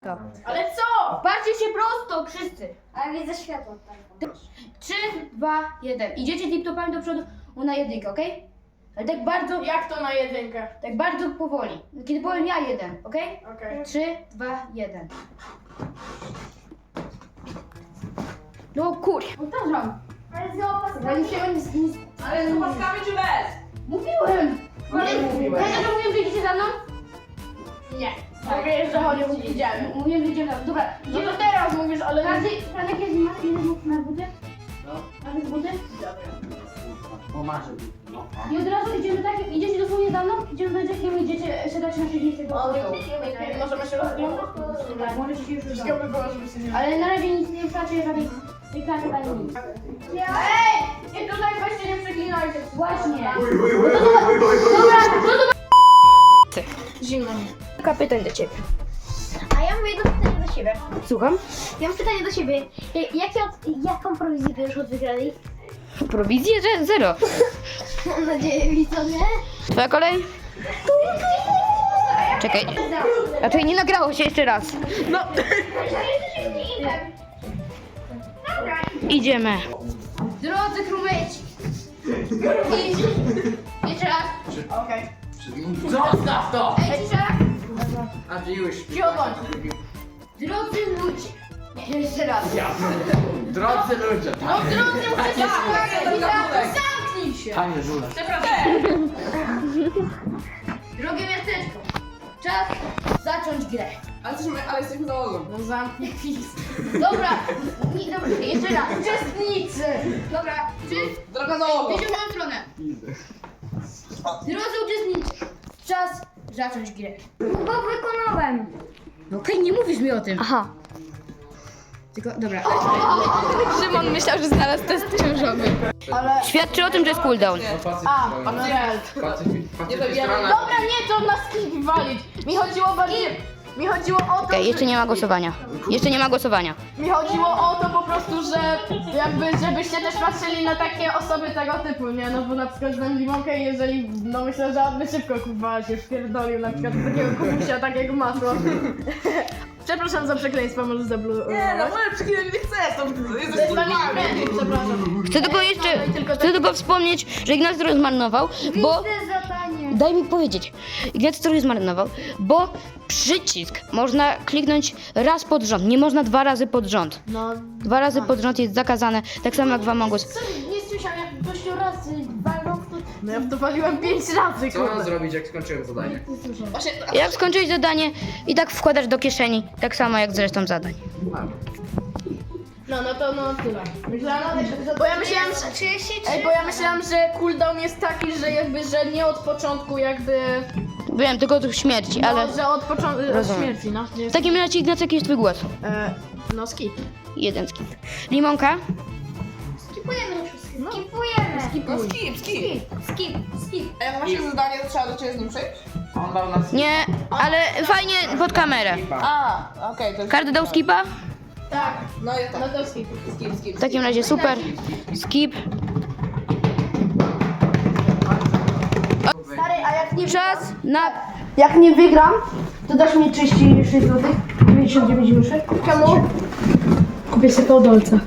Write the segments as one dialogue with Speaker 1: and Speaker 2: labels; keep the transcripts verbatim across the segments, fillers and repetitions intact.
Speaker 1: prosto.
Speaker 2: Ale co?
Speaker 1: Patrzcie się prosto, wszyscy.
Speaker 3: Ale widzę światło. Tak.
Speaker 1: trzy, dwa, jeden. Idziecie tip-topami do przodu na jedynkę, okej? Ale tak bardzo,
Speaker 2: Jak to na jedynkę?
Speaker 1: tak bardzo powoli. Kiedy powiem ja jeden, okej?
Speaker 2: Okej.
Speaker 1: trzy, dwa, jeden. No kur... Powtarzam.
Speaker 3: Ale z opaskami.
Speaker 1: Ja nie się nic, nic...
Speaker 4: Ale z opaskami czy bez?
Speaker 1: Mówiłem!
Speaker 4: Ale mówiłeś.
Speaker 1: Ja też mówiłem, że idziecie za mną?
Speaker 2: Nie. Mówię, że chodzi o idziemy.
Speaker 1: Mówiłem, że idziemy za mną. Dobra,
Speaker 2: No
Speaker 1: idziemy
Speaker 2: to teraz mówisz, ale...
Speaker 1: Każdy, Franek, jest masz jeden buty na buty?
Speaker 5: No,
Speaker 1: Masz buty?
Speaker 5: pomarzę. No.
Speaker 1: I od razu idziemy tak, idziecie dosłownie za mną, idziemy do Jackiem i idziecie siadać na siedzibce do
Speaker 2: O,
Speaker 1: stołu.
Speaker 2: możemy się rozglądać?
Speaker 1: Tak, możecie się już
Speaker 2: Wszystkiego
Speaker 1: rozglądać.
Speaker 2: by było, żeby się nie...
Speaker 1: Ale na razie nic nie wstacie, żadnej reklamy ani nic.
Speaker 2: Ej! Nie tutaj weźcie, nie przeklinajcie.
Speaker 1: Właśnie.
Speaker 2: Zimno mi.
Speaker 1: Kilka pytań do ciebie.
Speaker 3: A ja mam jedno pytanie do siebie.
Speaker 1: Słucham?
Speaker 3: Ja mam pytanie do siebie. Ja- Jakie od, jaką prowizję bierzesz od wygranej?
Speaker 1: Prowizję, że zero.
Speaker 3: Mam nadzieję, widzowie.
Speaker 1: Twoja kolej? Czekaj. Raczej nie nagrało się jeszcze raz.
Speaker 2: No.
Speaker 1: Idziemy. Drodzy krumyci. Idź. Jeszcze raz.
Speaker 2: Okej.
Speaker 5: Zostaw to!
Speaker 1: Ej, cisza.
Speaker 5: A ty już.
Speaker 2: Cicho bądź.
Speaker 1: Drodzy ludzie. Nie, jeszcze raz.
Speaker 5: Drodzy ludzie,
Speaker 2: No
Speaker 5: tak.
Speaker 2: drodzy, muszę się zamknij się.
Speaker 5: Panie żule.
Speaker 1: Drogie miasteczko. Czas zacząć grę.
Speaker 4: Ale jesteśmy, ale jesteśmy załogą.
Speaker 2: No zamknij pis.
Speaker 1: Dobra. Nie, dobra, jeszcze raz. Uczestnicy. Dobra. Czy...
Speaker 4: Droga załogą.
Speaker 1: Idziemy w moją stronę. Drodzy uczestnicy. Czas zacząć grę.
Speaker 3: Bo wykonałem.
Speaker 1: No okej, nie mówisz mi o tym.
Speaker 3: Aha.
Speaker 1: Tylko, dobra.
Speaker 6: Szymon myślał, że znalazł test ciążowy.
Speaker 2: Ale...
Speaker 1: Świadczy o tym, że jest cooldown.
Speaker 2: A, pacjent. Dobra, nie, to na skip walić. Mi chodziło bardziej... Mi chodziło o to,
Speaker 1: Okej, jeszcze nie ma głosowania. Jeszcze nie ma głosowania.
Speaker 2: Mi chodziło o to po prostu, że jakby, żebyście też patrzyli na takie osoby tego typu, nie? No bo na przykład znam limonkę i jeżeli, no myślę, że on by szybko kurwa się wpierdolił na przykład do takiego kubusia, takiego masła. Przepraszam za przekleństwo, może zablu...
Speaker 4: Nie, no może przyklinać nie chcesz, to
Speaker 2: To
Speaker 4: jesteś
Speaker 2: jest dla mnie przepraszam.
Speaker 1: Chcę tylko jeszcze, chcę tylko wspomnieć, że Ignacy trochę zmarnował, bo...
Speaker 3: Widzę zadanie.
Speaker 1: Daj mi powiedzieć. Ignacy trochę zmarnował, bo przycisk można kliknąć raz pod rząd, nie można dwa razy pod rząd.
Speaker 2: No,
Speaker 1: Dwa razy pod rząd jest zakazane, tak samo jak w Among Us.
Speaker 2: co, nie słyszałem, jak gościu raz walnął w to... No ja w to waliłem pięć razy,
Speaker 5: Co mam
Speaker 2: kurde.
Speaker 5: zrobić, jak skończyłem zadanie?
Speaker 4: Właśnie,
Speaker 1: Jak skończyłeś zadanie i tak wkładasz do kieszeni, tak samo jak z resztą zadań.
Speaker 2: No, no to no tyle. Myślałem, bo ja myślałem, że... Ej, bo ja myślałam, że cooldown jest taki, że jakby, że nie od początku jakby...
Speaker 1: Wiem, tylko od śmierci, ale...
Speaker 2: No, że od początku, od
Speaker 1: Rozumiem.
Speaker 2: śmierci, no. Nie
Speaker 1: W takim razie, Ignacy, jaki jest twój głos?
Speaker 2: e, no skip.
Speaker 1: Jeden skip. Limonka?
Speaker 3: Skipujemy na wszystko.
Speaker 2: No.
Speaker 3: Skipujemy.
Speaker 4: no
Speaker 2: Skipuj.
Speaker 4: skip, skip.
Speaker 3: Skip, skip.
Speaker 4: A jak masz się zadanie, to trzeba do ciebie z nim przyjść?
Speaker 5: On dał nas.
Speaker 1: Nie, ale fajnie pod kamerę.
Speaker 4: A, okej, to jest...
Speaker 1: Każdy dał skipa?
Speaker 2: Tak,
Speaker 4: No jest
Speaker 2: no
Speaker 4: tak.
Speaker 2: to skip.
Speaker 4: Skip, skip.
Speaker 1: W takim razie super. Skip.
Speaker 2: Stary, a jak nie...
Speaker 1: Czas na...
Speaker 2: Jak nie wygram, to dasz mi trzydzieści sześć złotych, dziewięćdziesiąt dziewięć groszy. Czemu? Kupię sobie to dolca.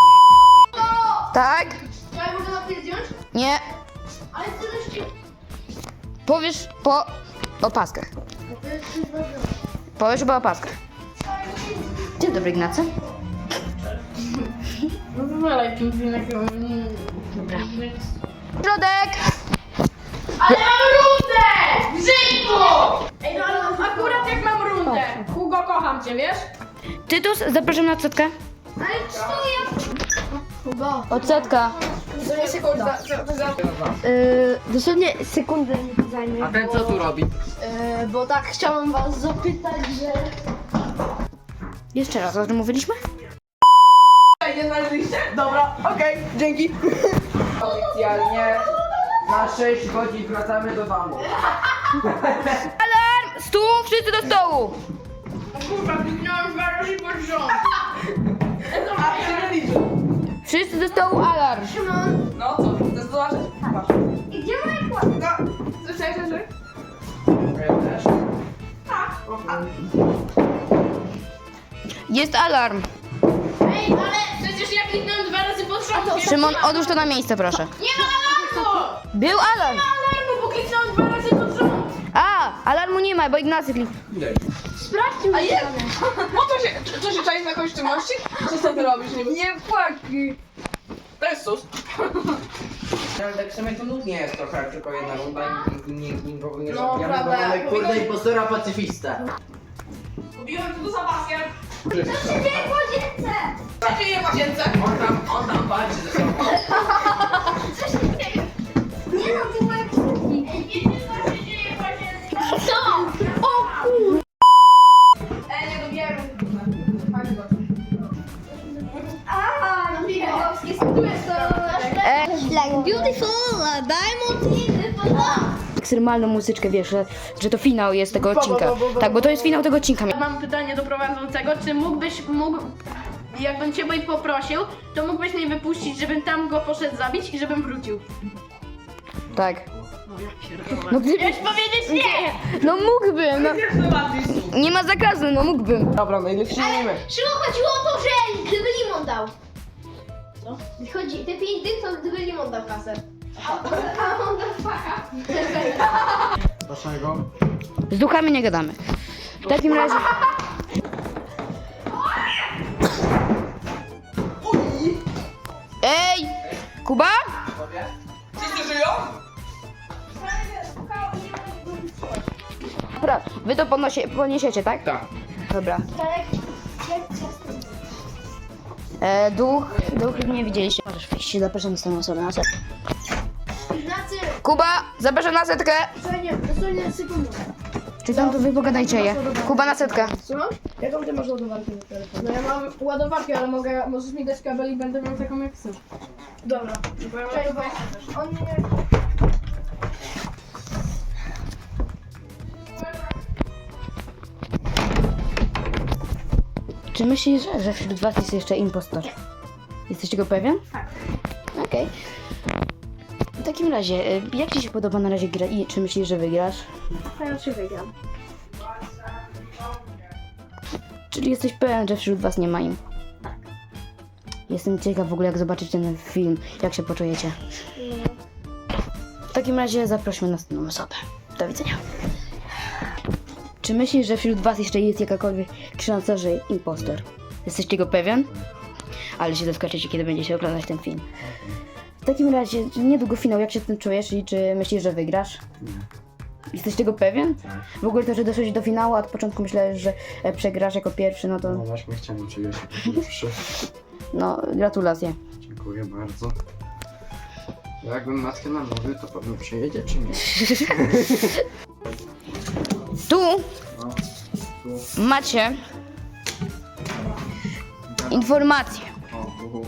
Speaker 1: Tak?
Speaker 2: Ja mogę na zdjąć?
Speaker 1: Nie.
Speaker 2: Ale co też...
Speaker 1: Powiesz po opaskach. Powiesz po opaskach. Dzień dobry, Ignacy.
Speaker 2: No wywalaj pingwinek.
Speaker 1: Dobra. Środek!
Speaker 2: Ale mam rundę! W życiu! Ej, no ale akurat jak mam rundę. Hugo, kocham cię, wiesz?
Speaker 1: Tytus, zapraszam na odsetkę.
Speaker 3: Ale co ja...
Speaker 2: Hugo.
Speaker 1: Odsetka.
Speaker 4: To nie sekunda. To za...
Speaker 2: Yy, dosłownie sekundę mi to zajmie.
Speaker 5: A ten co tu robi?
Speaker 2: Yy, bo tak chciałam was zapytać, że...
Speaker 1: Jeszcze raz, o czym mówiliśmy?
Speaker 4: Nie znaleźliście? Dobra, okej, dzięki.
Speaker 5: Oficjalnie na sześć godzin wracamy do domu.
Speaker 1: Alarm! Stół! Wszyscy do stołu!
Speaker 2: Kurwa, kliknąłem dwa razy pod rząd.
Speaker 4: A, się nie liczy.
Speaker 1: Wszyscy do stołu, alarm!
Speaker 4: No co, chcesz zobaczyć? Masz.
Speaker 3: I gdzie moje kłody?
Speaker 4: No, słyszałeś, że...
Speaker 5: Ja też.
Speaker 4: Tak. A,
Speaker 1: Jest alarm.
Speaker 2: Ej, ale przecież ja kliknąłem dwa razy pod rząd.
Speaker 1: Szymon, odłóż to na miejsce, proszę.
Speaker 2: Nie ma alarmu!
Speaker 1: Był alarm.
Speaker 2: Alarmu, bo kliknąłem dwa razy pod rząd.
Speaker 1: A, alarmu nie ma, bo Ignacy klik...
Speaker 3: Sprawdźmy.
Speaker 4: A jest! No to się, czy- co się czaisz na kogoś czynności? Co z ty robisz? Nie, nie płaki. To jest sus.
Speaker 5: Ale tak w sumie to nudnie jest trochę, tylko jedna runda i nikt nikogo nie
Speaker 2: No,
Speaker 5: zabijamy, bo
Speaker 2: prawda.
Speaker 5: mamy kurde impostora pacyfista.
Speaker 4: Kupiłem tu za paskiem.
Speaker 3: Co się dzieje w łazience?
Speaker 4: Co się dzieje w łazience?
Speaker 5: On tam, on tam walczy ze sobą.
Speaker 3: Co się dzieje? Nie no, ty moje krzyki.
Speaker 2: Co się dzieje w łazience?
Speaker 3: Co? O kur...
Speaker 2: Ej, nie dobieram.
Speaker 3: A, no Bigowski, tu jest to...
Speaker 1: E,
Speaker 3: Like beautiful, diamond in the blood.
Speaker 1: ekstremalną muzyczkę, wiesz, że, że to finał jest tego
Speaker 2: Bo, bo,
Speaker 1: odcinka.
Speaker 2: bo, bo, bo,
Speaker 1: Tak, bo to jest finał tego odcinka.
Speaker 2: Mam pytanie do prowadzącego, czy mógłbyś, mógł, jakbym cię Boy poprosił, to mógłbyś mnie wypuścić, żebym tam go poszedł zabić i żebym wrócił?
Speaker 1: Tak.
Speaker 2: No ja pierdolę.
Speaker 1: No gdyby...
Speaker 2: Chciałeś powiedzieć nie!
Speaker 1: No mógłbym, no. Nie ma zakazu, no mógłbym.
Speaker 5: Dobra, no i lecimy.
Speaker 3: Szymon, chodziło o to, że gdyby Limon dał. Co? Chodzi, te pięć dych to gdyby Limon dał kasę. A, a on dał faka.
Speaker 5: Dlaczego?
Speaker 1: Z duchami nie gadamy. W takim razie... Ej! Kuba?
Speaker 4: Wszyscy żyją?
Speaker 1: Dobra, wy to ponosie, poniesiecie, tak?
Speaker 5: Tak.
Speaker 1: Dobra.
Speaker 3: Tak, jak ciasto.
Speaker 1: E, duch, duch nie widzieliście. Możesz wejść, zapraszam z tą osobę na setkę.
Speaker 3: Ignacy,
Speaker 1: Kuba, zapraszam na setkę.
Speaker 3: dosłownie, dosłownie sekundę.
Speaker 1: Czy tam to wy pogadajcie je? Kuba na setkę.
Speaker 2: Słucham? Jaką ty masz ładowarkę na telefon? No ja mam ładowarkę, ale mogę, możesz mi dać kabel i będę miał taką jak chcesz. Dobra. Bo ja mam
Speaker 3: Cześć,
Speaker 2: ładowarkę też.
Speaker 3: On nie...
Speaker 1: Czy myślisz, że wśród was jest jeszcze impostor? Jesteś tego pewien?
Speaker 3: Tak.
Speaker 1: Okej. W takim razie, y, jak ci się podoba na razie gra i czy myślisz, że wygrasz?
Speaker 3: A ja czy wygram?
Speaker 1: Czyli jesteś pewien, że wśród was nie ma im?
Speaker 3: Tak.
Speaker 1: Jestem ciekaw w ogóle, jak zobaczycie ten film, jak się poczujecie. W takim razie zaprośmy następną osobę. Do widzenia. Czy myślisz, że wśród was jeszcze jest jakakolwiek szansa, że impostor? Jesteś tego pewien? Ale się zaskoczycie, kiedy będziecie oglądać ten film. W takim razie, niedługo finał, jak się z tym czujesz i czy myślisz, że wygrasz? Jesteś tego pewien? W ogóle to, że doszłeś do finału, a od początku myślałeś, że e, przegrasz jako pierwszy, no to
Speaker 7: No właśnie chciałem czuję się pierwszy.
Speaker 1: no gratulacje.
Speaker 7: Dziękuję bardzo. Jakbym matkę namówił, to pewnie przyjedzie czy nie?
Speaker 1: Tu
Speaker 7: No, tu.
Speaker 1: macie informację.
Speaker 7: O, uhu.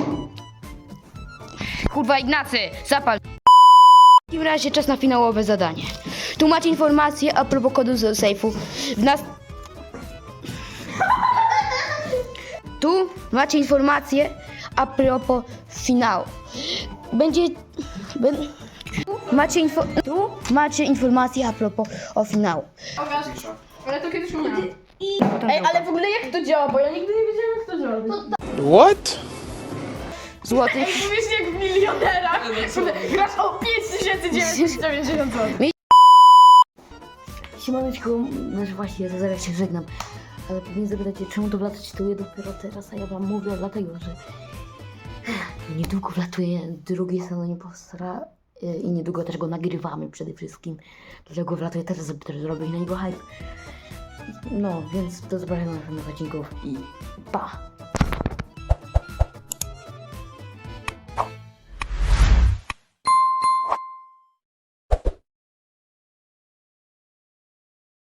Speaker 1: Kurwa Ignacy, zapal. W takim razie czas na finałowe zadanie. Tu macie informację a propos kodu z sejfu. W nas... Tu macie informację a propos finału. Będzie... Bę... Tu macie info... Tu macie informację a propos o finału.
Speaker 2: Pokaż. Ale to kiedyś miałam.
Speaker 1: Potem
Speaker 2: Ej,
Speaker 1: druga.
Speaker 2: ale w ogóle jak to działa, bo ja nigdy nie wiedziałem jak to działa.
Speaker 1: Złotych.
Speaker 2: Ej, mówisz jak w milionerach. Grasz o pięć tysięcy dziewięćset dziewięćdziesiąt złotych.
Speaker 1: Siemaneczko, no właśnie, ja zaraz się żegnam. Ale pewnie zapytacie, czemu to wlatuje dopiero teraz, a ja wam mówię dlatego, że niedługo wlatuje drugi sezon Impostora y, i niedługo też go nagrywamy przede wszystkim. Dlatego wlatuje teraz, żeby też zrobić na niego hype. No, więc do zobaczenia na następnych odcinków i pa!